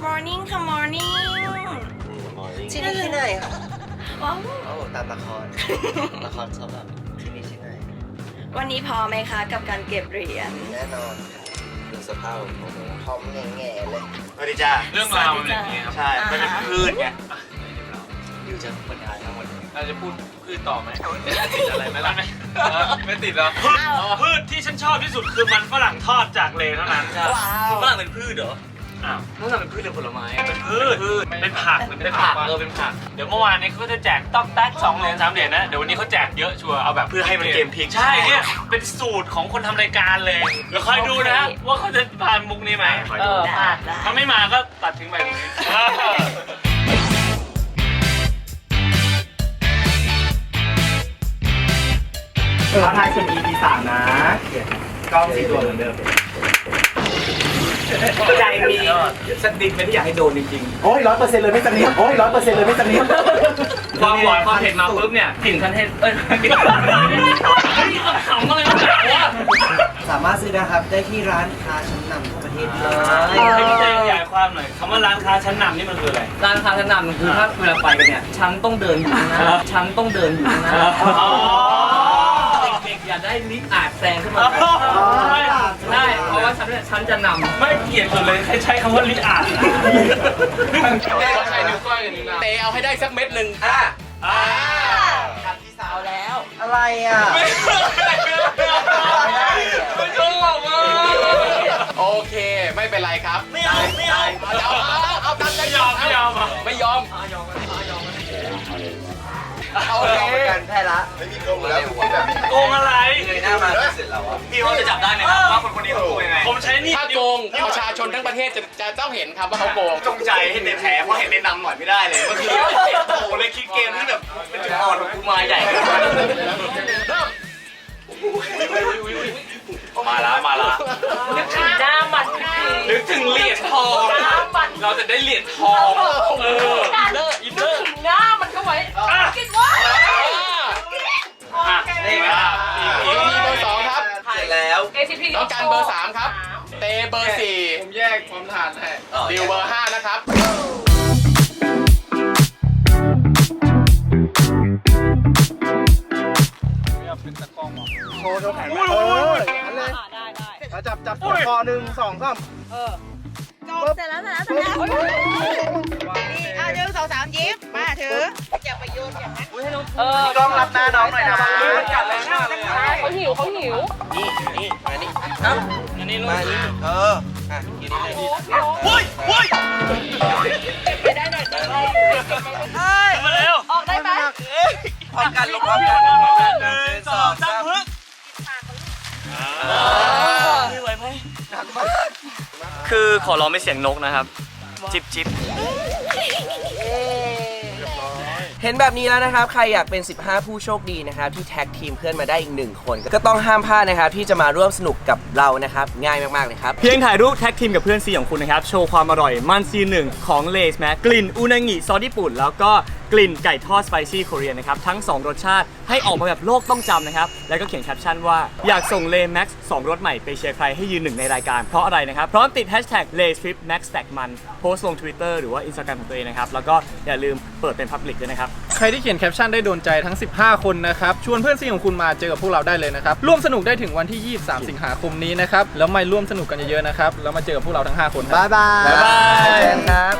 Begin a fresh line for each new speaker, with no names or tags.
morning ค่ะ morning ที่นี่ที่ไหนคะว้าวโอ้ตามละครชอบแบบที่นี่ที่ไหนวันนี้พอไหมคะกับการเก็บเหรียญแน่นอนดูสภาพของผมพร้อมแง่ๆเลยสวัสดีจ้า
เรื่องราวมันอย่างนี้ครับ
ใช่มันเป็นพืชไง
อยู่จะบรรยายทั้งหมดเราจะพูดพืชต่อไหมติดอะไรไหมล่ะไม่ติดหรอพืชที่ฉันชอบที่สุดคือมันฝรั่งทอดจากเลเท่านั้น
ฝรั่งเป็นพืชเหรอ
อ้าวฝรั่งเป็นพืชหรือผลไม้เป็นพืชเป็นผักเป็นผักเป็นผักเดี๋ยวเมื่อวานนี้เขาจะแจกต๊อกแต๊ก2 เหรียญ 3 เหรียญนะเดี๋ยววันนี้เขาแจกเยอะชัวร์เอาแบบ
เพื่อให้มันเกมพลิก
ใช่เนี่ยเป็นสูตรของคนทำรายการเลยเดี๋ยวคอยดูนะว่าเขาจะผ่านมุกนี้ไหมถ้าไม่มาก็ตัดทิ้งไปตรงนี้
ท้าทายส่วน EP 3นะกล้อง4 ตัวเหมือนเดิมใจมีสติไม่ได้อยากให้โดนจริงๆโอ้ย100%เลยไม่สนิทโอ้ย100%เลยไม่สนิท
ความหวานความเผ็ดมาปุ๊บเนี่ยกลิ่นคันเทศขำอะไรกันวะ
สามารถซื้อนะครับได้ที่ร้านค้าชั้นนำทั่วประเทศเลย
ให้พี่เต้ขยายความหน่อยคำว่าร้านค้าชั้นนำนี่มันคืออะไร
ร้านค้าชั้นนำมันคือถ้าเวลาไปกันเนี่ยฉันต้องเดินอยู่นะฉันต้องเดินอยู่นะเด็กๆอย่าได้ลิฟต์อาจแซงขึ้นมาใช่เพราะว่าฉันจะนำ
ไม่เกลียดเลยใช้คำว่าลิอาด
เขาใช้นิ้วก้อยกับนิ้วนางเตะเอาให้ได้สักเม็ดหนึ่ง
กับพี่สาวแล้วอะไรอ่ะ
ไม่ชอบอ่ะโอเคไม่เป็นไรครับ
ไม่เอา
เอาตามใจ
ไม่ยอม
ไม่ยอม
เอากันแพ้ละไม่มีโกงแล้ว
โกงอะไร
เลยหน้ามาเสร็จแล้วอ่ะ
พี่เขาจะจับได้ไหมครับว่าคนนี้เขาโกงยังไงผมใช้นี่
ถ้าโกงประชาชนทั้งประเทศจะต้องเห็นครับว่าเขาโกง
จงใจให้ในแผลเพราะเห็นในนำหน่อยไม่ได้เลยเมื่อกี้โอ้โหเลยคิดเกมที่แบบเป็นจุดอ่อนของกูมาใหญ่มาละ
นึกถึงหน้ามัน
นึกถึงเหรียญทองเราจะได้เหรียญทอง
นึกถึงหน้ามันเข้าไว้คิดว่า
นี่ครับ
เบอร์ 2ครับ
เสร็จแล้ว
ต้องการเบอร์ 3ครับเตเบอร์ 4ผมแยกความทานให้ดิวเบอร์ 5นะครับ
เป็นตะกล้องโชว์แขนนั่นเลยได้จับคอ1 2 3
เสร็จแล้วนี่1 2 3ยิ้มมาถืออย่าไปโยนอย่างนั้น
กล้องรับหน้าน้องหน่อยนะ
กัดแรงมากเลยเขาหิว
นี่มานี่
อันนี้ลูก
มานี่กินนี่เลย
ไปได้หน่อย
มาเร็ว
ออกได้ไหม
พร้อมกันลงพร้อมกัน1 2 3
พึ่งไม่ไหวไหมคือขอร้องเป็นเสียงนกนะครับจิบ
เห็นแบบนี้แล้วนะครับใครอยากเป็น15ผู้โชคดีนะครับที่แท็กทีมเพื่อนมาได้อีก1คนก็ต้องห้ามพลาดนะครับที่จะมาร่วมสนุกกับเรานะครับง่ายมากๆเลยครับ
เพียงถ่ายรูปแท็กทีมกับเพื่อนซีของคุณนะครับโชว์ความอร่อยมันซี1ของเลสแม็กกลิ่นอุนางิซอสญี่ปุ่นแล้วก็กลิ่นไก่ทอดสไปซี่โคเรียนะครับทั้ง2รสชาติให้ออกมาแบบโลกต้องจำนะครับแล้วก็เขียนแคปชั่นว่าอยากส่งเลแม็กซ์2รสใหม่ไปเชียร์ใครให้ยืน1ในรายการเพราะอะไรนะครับพร้อมติดแฮชแท็กเลสทริปแม็กซ์แท็กมันโพสต์ลง Twitter หรือว่า Instagram ของตัวเองนะครับแล้วก็อย่าลืมเปิดเป็น Public ด้วยนะครับ
ใครที่เขียนแคปชั่นได้โดนใจทั้ง15คนนะครับชวนเพื่อนซีของคุณมาเจอกับพวกเราได้เลยนะครับร่วมสนุกได้ถึงวันที่23สิงหาคมนี้นะครับแล้วมาร่วมสนุกกันเยอะๆนะครับแล้วมาเจอกับพวกเราทั้ง5คน
บ๊ายบาย